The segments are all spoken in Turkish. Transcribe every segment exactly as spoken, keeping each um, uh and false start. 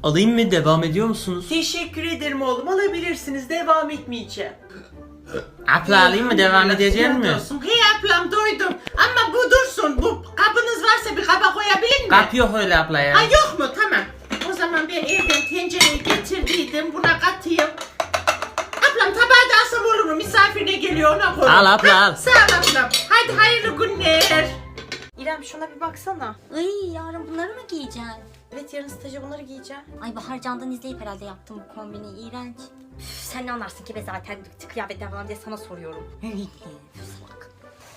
Alayım mı? Devam ediyor musunuz? Teşekkür ederim oğlum, alabilirsiniz, devam etmeyeceğim. Abla alayım mı? Devam edecek mi? Hey ablam, doydum ama bu dursun, bu kabınız varsa bir kaba koyabilir mi? Kap yok öyle abla ya. Ha yok mu? Tamam. O zaman ben evden tencereyi getirdiydim, buna katayım. Ablam tabağı da alsam olur mu? Misafirine geliyor, ona koy. Al abla, al. Sağ ol ablam. Hadi hayırlı günler. İrem şuna bir baksana. Ay yarın bunları mı giyeceksin? Evet, yarın staja bunları giyeceğim. Ay Bahar Can'dan izleyip herhalde yaptım bu kombini, iğrenç. Üf, sen ne anlarsın ki be zaten kıyafetten falan diye sana soruyorum. Salak.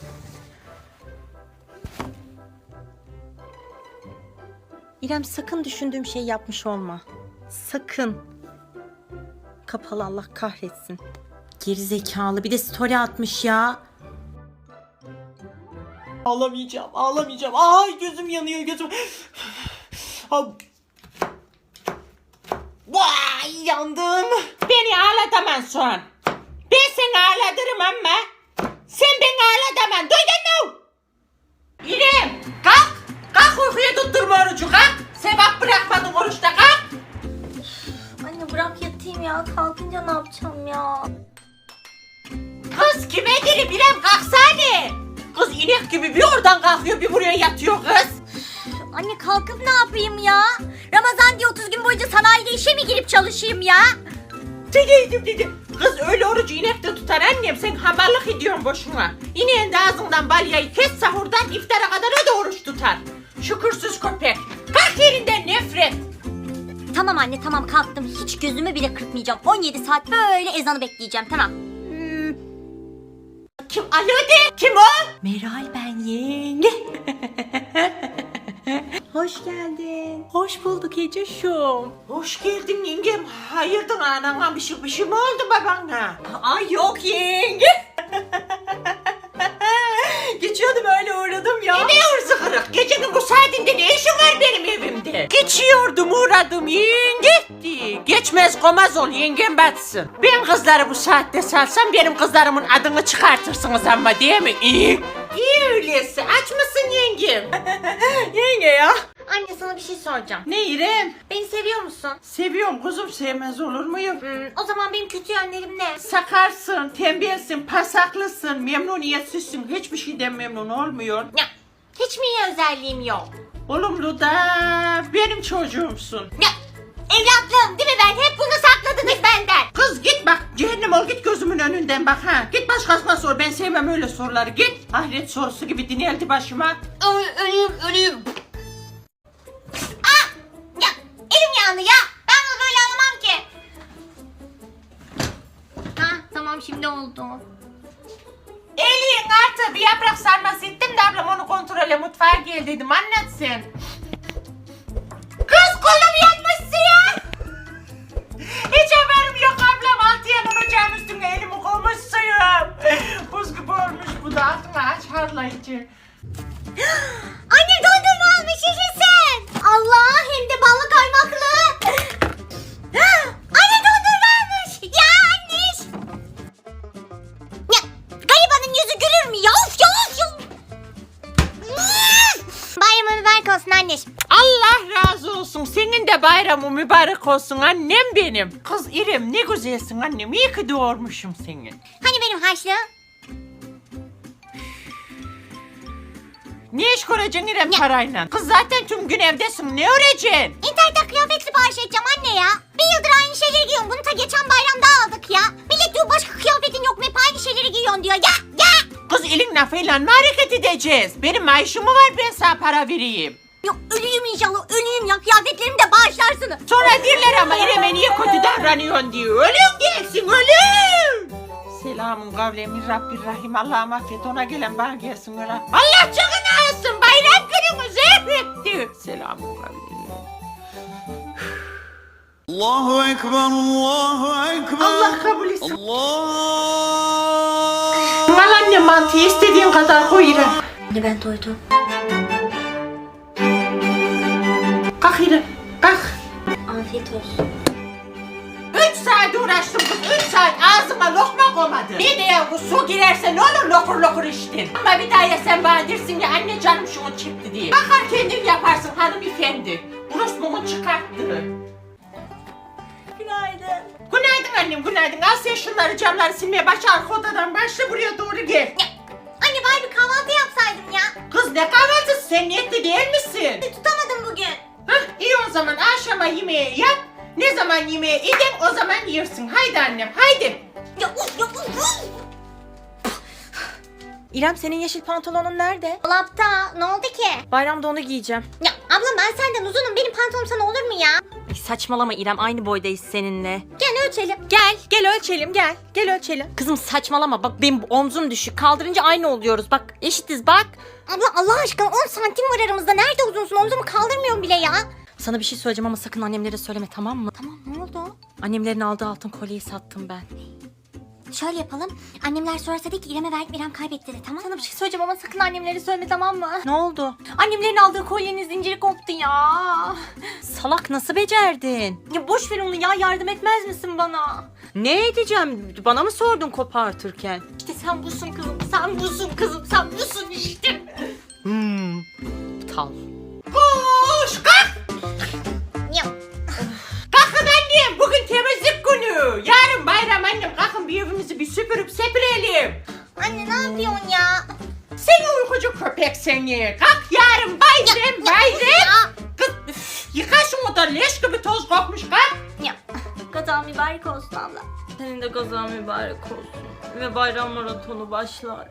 İrem sakın düşündüğüm şeyi yapmış olma. Sakın. Kapalı, Allah kahretsin. Geri zekalı, bir de story atmış ya. Ağlamayacağım, ağlamayacağım. Ay gözüm yanıyor, gözüm. Vay, yandım. Beni ağlatamazsın. Ben seni ağlatırım ama sen beni ağlatamazsın. Duydun mu? İrem, kalk. Kalk, uykuya tutturma orucu, kalk. Sevap bırakmadın oruçta, kalk. Anne bırak yatayım ya, kalkınca ne yapacağım ya? Kız kime gelip İrem, kalksana. Kız inek gibi bir oradan kalkıyor bir buraya yatıyor kız. Anne kalkıp ne yapayım ya? Ramazan diye otuz gün boyunca sanayide işe mi girip çalışayım ya? Dedeydim dedi. Kız öyle orucu inek de tutar annem, sen hamallık ediyorsun boşuna. İneğin de ağzından balyayı kes, sahurdan iftara kadar o da oruç tutar. Şükürsüz köpek. Kalk yerinden, nefret. Tamam anne tamam, kalktım, hiç gözümü bile kırpmayacağım. on yedi saat böyle ezanı bekleyeceğim, tamam. Hmm. Kim? Alo de. Kim o? Meral ben, yenge. Hoş geldin. Hoş bulduk Eceş'um. Hoş geldin yengem. Hayırdır anana, bir şey, bir şey mi oldu babana? Ay yok yenge. Geçiyordum, öyle uğradım ya. Ne hırsı kırık? Gecenin bu saatinde ne işin var benim evimde? Geçiyordum, uğradım yenge. Geçmez komaz ol, yengem batsın. Ben kızları bu saatte salsam benim kızlarımın adını çıkartırsınız ama, değil mi? İyi. İyi öyleyse. Aç mısın yengem? Yenge ya. Anne sana bir şey soracağım. Ne İrem? Beni seviyor musun? Seviyorum kuzum, sevmez olur muyum? Hmm, o zaman benim kötü yönlerim ne? Sakarsın, tembelsin, pasaklısın, memnuniyetsizsin. Hiçbir şeyden memnun olmuyor. Ya hiç mi iyi özelliğim yok? Olumlu da benim çocuğumsun. Ya evlatlığım değil mi ben? Hep bunu sakladınız benden. Kız git bak, cehennem ol, git gözümün önünden bak ha. Git başkasına sor, ben sevmem öyle soruları. Git, ahiret sorusu gibi dineldi başıma. Ö- öleyim öleyim. Aa! Ya elim yandı ya. Ben bunu böyle anlamam ki. Ha tamam, şimdi oldu. Elin artı bir yaprak sarması ettim de ablam onu kontrole mutfağa gel dedim, anlat sen. Kız kolum yanmışsın ya. Hiç haberim yok ablam, altı yanın ocağın üstüne elimi koymuşsun. Buz gibi olmuş bu da, altına aç harlayıcı. Anne dondurma almış, yaşasın. Allah, hem de ballı kaymaklı. Anne dondurma almış. Ya anne. Ya garibanın yüzü gülür mü ya? Of ya of ya. Bayramın mübarek olsun anneciğim. Allah razı olsun, senin de bayramı mübarek olsun annem benim. Kız İrem ne güzelsin annem, iyi ki doğurmuşum seni. Hani benim harçlığım? Ne iş kuracaksın İrem parayla? Kız zaten tüm gün evdesin, ne öreceksin? İnternetten kıyafet sipariş edeceğim anne ya. Bir yıldır aynı şeyleri giyiyorum. Bunu ta geçen bayramda aldık ya. Millet diyor başka kıyafetin yok mu? Hep aynı şeyleri giyiyorsun diyor. Ya ya. Kız elin lafıyla mı hareket edeceğiz? Benim maaşım mı var, ben sana para vereyim? Yok ölüyüm inşallah, ölüyüm ya. Kıyafetlerimi de bağışlarsınız. Sonra derler ama İrem'e niye kötü davranıyorsun diyor. Ölüm gelsin, ölüm. Selamun kavlemin Rabbirrahim. Allah'ım affet, ona gelen bana gelsin öyle. Allah canını alsın, bayram günümüz etti. Selamun kavlemin. Allahu Ekber, Allahu Ekber. Allah kabul etsin. Allah. Al anne mantıyı istediğin kadar koy İrem. Anne ben doydum. Kalk İrem, kalk. Afiyet olsun. Üç saat uğraştım kız, üç saat ağzıma lokma koymadı. Bir de ya bu su girerse ne olur lokur lokur içtin. Ama bir daha ya sen bana dersin ya anne canım şunu çekti diye. Bakar kendin yaparsın hanımefendi. Burası bunu çıkarttı. annem günaydın. Al sen şunları camları silmeye başla. Arka odadan başla buraya doğru gel. Ya, anne bari bir kahvaltı yapsaydım ya. Kız ne kahvaltısı, sen niyetli değil misin? Tutamadım bugün. Hah iyi, o zaman akşama yemeği yap. Ne zaman yemeği edin o zaman yersin. Haydi annem haydi. Ya uf ya uf uf. İrem senin yeşil pantolonun nerede? Dolapta ne oldu ki? Bayramda onu giyeceğim. Ya abla ben senden uzunum, benim pantolonum sana olur mu ya? Ay saçmalama İrem, aynı boydayız seninle. Gel ölçelim. Gel, gel ölçelim, gel. Gel ölçelim. Kızım saçmalama, bak benim omzum düşük. Kaldırınca aynı oluyoruz. Bak eşitiz bak. Abla Allah aşkına on santim var aramızda, nerede uzunsun, omzumu kaldırmıyorum bile ya. Sana bir şey söyleyeceğim ama sakın annemlere söyleme, tamam mı? Tamam, ne oldu? Annemlerin aldığı altın kolyeyi sattım ben. Şöyle yapalım, annemler sorarsa de ki İrem'e verdim, İrem kaybetti de, tamam Sana bir şey söyleyeceğim ama sakın annemlere söyleme, tamam mı? Ne oldu? Annemlerin aldığı kolyenin zinciri koptu ya. Salak, nasıl becerdin? Ya boş ver onu ya, yardım etmez misin bana? Ne edeceğim? Bana mı sordun kopartırken? İşte sen busun kızım, sen busun kızım, sen busun işte. Hmm. Aptal. Koş kalk. Ya. Kalkın annem, bugün temizlik günü. Yarın bayram annem, kalkın bir evimizi bir süpürüp sepirelim. Anne ne yapıyorsun ya? Seni uykucu köpek seni. Kalk, yarın bayram bayram. Ya. Kız üf, yıka şu oda, leş gibi toz kokmuş, kalk. Ya. Gazan mübarek olsun abla. Senin de gazan mübarek olsun. Ve bayram maratonu başlar.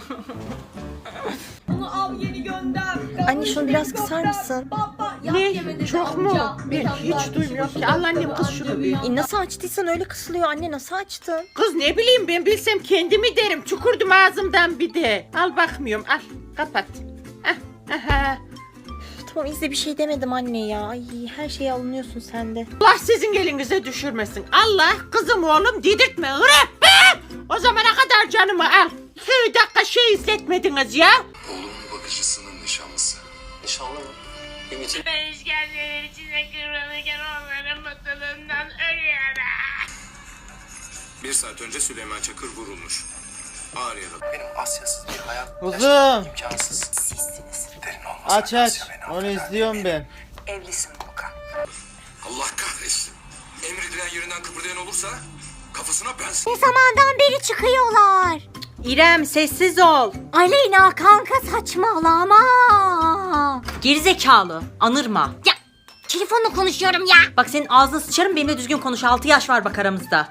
Onu al yeni gönder. Anne şunu biraz kısar mısın? Ne? Çok mu? Ben hiç duymuyorum ki. Allah annem, kız şunu bir. E nasıl açtıysan öyle kısılıyor anne, nasıl açtın? Kız ne bileyim, ben bilsem kendimi derim. Çukurdum ağzımdan bir de. Al bakmıyorum, al kapat. Ah, aha. Tamam izle, bir şey demedim anne ya. Ay her şeye alınıyorsun sen de. Allah sizin elinize düşürmesin. Allah kızım oğlum dedirtme. Hırı, be! O zamana kadar canımı al. İki dakika şey izletmediniz ya. Oğlumun bakıcısının nişanlısı. Nişanlı mı? Ümit. Ben işkenceler içinde kıvranırken onların mutluluğundan ölüyorum. Bir saat önce Süleyman Çakır vurulmuş. Ağır yaralı. Benim Asya'sız bir hayat Kuzum imkansız. Sizsiniz. Derin olmasa aç aç, Asya beni onu affeder. izliyorum ben. Evlisin Volkan. Allah kahretsin. Emredilen yerinden kıpırdayan olursa kafasına ben Ne zamandan beri çıkıyorlar? İrem sessiz ol. Aleyna kanka saçmalama. Gerizekalı. Anırma. Ya telefonla konuşuyorum ya. Bak senin ağzını sıçarım, benimle düzgün konuş. altı yaş var bak aramızda.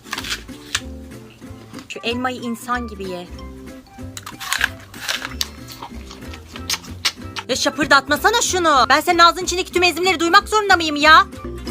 Şu elmayı insan gibi ye. Ya şapırdatmasana şunu. Ben senin ağzının içindeki tüm ezimleri duymak zorunda mıyım ya?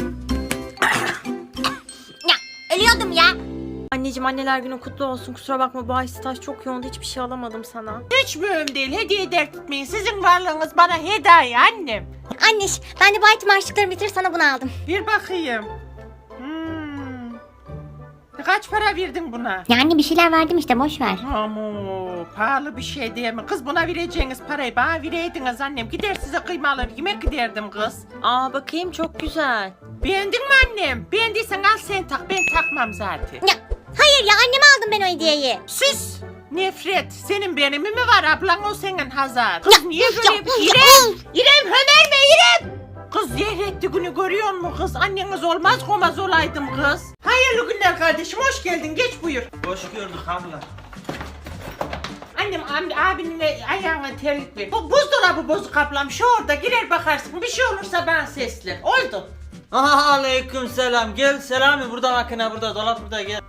Ya ölüyordum ya. Anneciğim anneler günü kutlu olsun. Kusura bakma bu ay staj çok yoğundu. Hiçbir şey alamadım sana. Hiç mühim değil. Hediye dert etmeyin. Sizin varlığınız bana hediye annem. Anneş ben de baytım harçlıklarımı bitir sana bunu aldım. Bir bakayım. Hmm. Kaç para verdin buna? Ya anne bir şeyler verdim işte, boş ver. Amu pahalı bir şey değil mi? Kız buna vereceğiniz parayı bana vereydiniz annem. Gider size kıyma alır yemek giderdim kız. Aa bakayım, çok güzel. Beğendin mi annem? Beğendiysen al sen tak, ben takmam zaten. Ya hayır ya, anneme aldım ben o hediyeyi. Sus! Nefret, senin benimi mi var, ablan o senin Hazar. Kız niye ya, böyle? ya, İrem! İrem hönerme İrem! Kız zehretti günü görüyor musun kız? Anneniz olmaz olmaz olaydım kız. Hayırlı günler kardeşim, hoş geldin, geç buyur. Hoş gördük abla. Annem abi, abinin ayağına terlik ver. Bu buzdolabı bozuk ablam, şu orada girer bakarsın. Bir şey olursa bana seslen. Oldu. Aha, aleyküm selam. Gel Selami, burada makine, burada dolap, burada gel.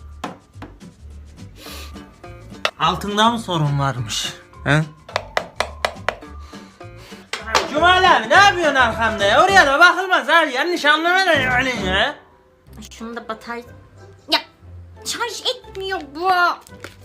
Altında mı sorun varmış? He? Cumali abi ne yapıyorsun arkamda ya? Oraya da bakılmaz abi, yanlış anlama da yani ya. Şunu da batarya... Ya şarj etmiyor bu. Hah,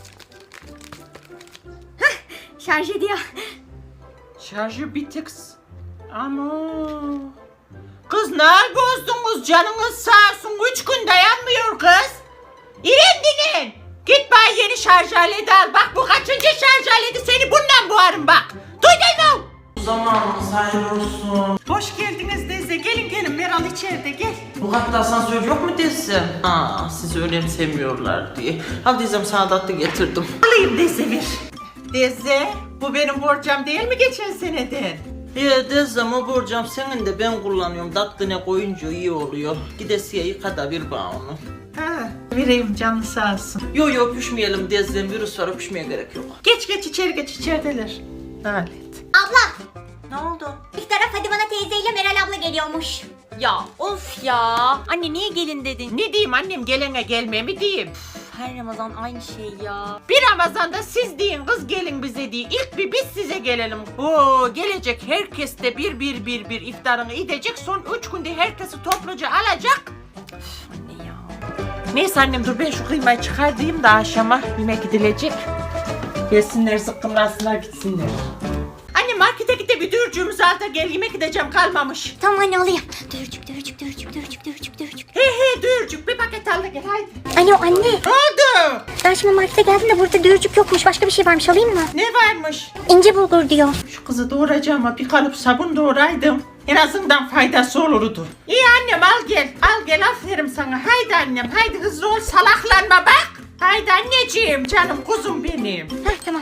şarj ediyor. Şarjı bitik. Ama kız ne bozdunuz, canınız sağ olsun, üç gün dayanmıyor kız. İrem dinin. Git bana yeni şarj aleti al. Bak bu kaçıncı şarj aleti, seni bundan boğarım bak. Duydun mu? Zamanımız hayırlı olsun. Hoş geldiniz teyze. Gelin gelin, Meral içeride gel. Bu katta asansör yok mu teyze? Aa, sizi önemsemiyorlar diye. Al teyzem, sana tatlı getirdim. Alayım teyze bir. Teyze bu benim borcam değil mi geçen seneden? He Dezem o borcam senin de ben kullanıyorum. Dattine koyunca iyi oluyor. Gidesiye yıka da bir bana onu. Ha, vereyim canın sağ olsun. Yo yo öpüşmeyelim Dezem, virüs var, öpüşmeye gerek yok. Geç geç içeri geç içerideler. Alet. Abla, Ne oldu? iftara Fadime teyzeyle Meral abla geliyormuş. Ya of ya. Anne niye gelin dedin? Ne diyeyim annem, gelene gelme mi diyeyim? Her Ramazan aynı şey ya. Bir Ramazan'da siz deyin kız gelin bize diye. İlk bir biz size gelelim. Oo, gelecek herkes de bir bir bir bir iftarını edecek. Son üç günde herkesi topluca alacak. Anne ya. Neyse annem dur ben şu kıymayı çıkartayım da akşama yemek gidilecek. Gelsinler zıkkımlansınlar gitsinler. Anne markete git de bir dürcüğümüzü al da gel, yemek gideceğim kalmamış. Tamam anne alayım. Dürcük dürcük dürcük dürcük dürcük dürcük. He he dürcük bir paket al da gel haydi. Alo anne. Ne oldu? Ben şimdi markete geldim de burada dürcük yokmuş. Başka bir şey varmış, alayım mı? Ne varmış? İnce bulgur diyor. Şu kızı doğuracağım ama bir kalıp sabun doğuraydım. En azından faydası olurdu. İyi annem al gel. Al gel aferin sana. Haydi annem haydi hızlı ol, salaklanma bak. Haydi anneciğim canım kuzum benim. Heh tamam.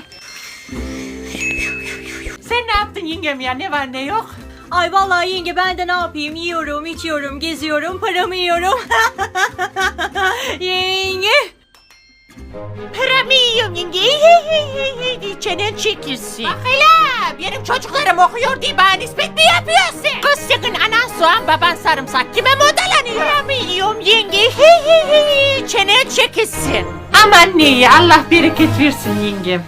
Sen ne yaptın yengem ya, ne var ne yok? Ay vallahi yenge ben de ne yapayım? Yiyorum, içiyorum, geziyorum, paramı yiyorum. Yenge. Paramı yiyorum yenge. Hey, hey, hey, hey. Çenen çekilsin. Bak hele benim çocuklarım okuyor diye bana nispet mi yapıyorsun? Kız sakın anan soğan baban sarımsak kime modalanıyor? Paramı yiyorum yenge. Hey, hey, hey. Çenen çekilsin. Aman ne Allah bereket versin yengem.